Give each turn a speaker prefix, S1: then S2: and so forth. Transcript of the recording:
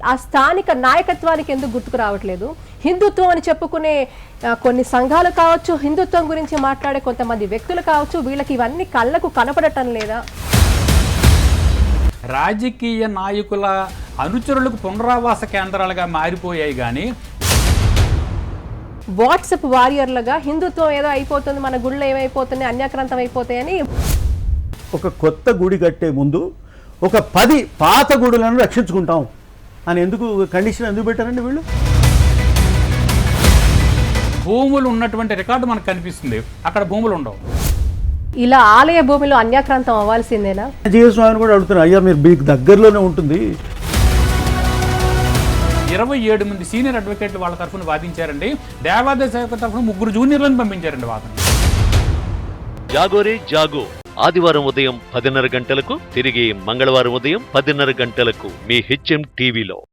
S1: ఆ స్థానిక నాయకత్వానికి ఎందుకు గుర్తుకు రావట్లేదు? హిందుత్వం అని చెప్పుకునే కొన్ని సంఘాలు కావచ్చు, హిందుత్వం గురించి మాట్లాడే కొంతమంది వ్యక్తులు కావచ్చు, వీళ్ళకి ఇవన్నీ కళ్ళకు కనపడటం లేదా?
S2: రాజకీయ నాయకుల అనుచరులకు పునరావాస కేంద్రాలుగా మారిపోయాయి కానీ
S1: వాట్సాప్ వారియర్లుగా హిందుత్వం ఏదో అయిపోతుంది, మన గుళ్ళు ఏమైపోతుంది, అన్యాక్రాంతం అయిపోతాయని.
S3: ఒక కొత్త గుడి కట్టే ముందు ఒక 10 పాత గుడులను రక్షించుకుంటాం అని ఎందుకు కండిషన్ ఎందుకు పెట్టారండి వీళ్ళు?
S2: భూములు ఉన్నటువంటి రికార్డు మనకు కనిపిస్తుంది, అక్కడ భూములు ఉండవు.
S1: ఇలా ఆలయ భూమిలో అన్యాక్రాంతం అవ్వాల్సిందేనా?
S3: జీవస్వామిని కూడా అడుగుతున్నారు, అయ్యా మీరు మీకు దగ్గరలోనే ఉంటుంది.
S2: 27 మంది సీనియర్ అడ్వకేట్లు వాళ్ళ తరఫున వాదించారండి. దేవాదాయ శాఖ తరఫున 3 జూనియర్లను పంపించారండి వాదన.
S4: జాగోరే జాగో ఆదివారం ఉదయం 10:30 గంటలకు, తిరిగి మంగళవారం ఉదయం 10:30 గంటలకు మీ HM టీవీలో.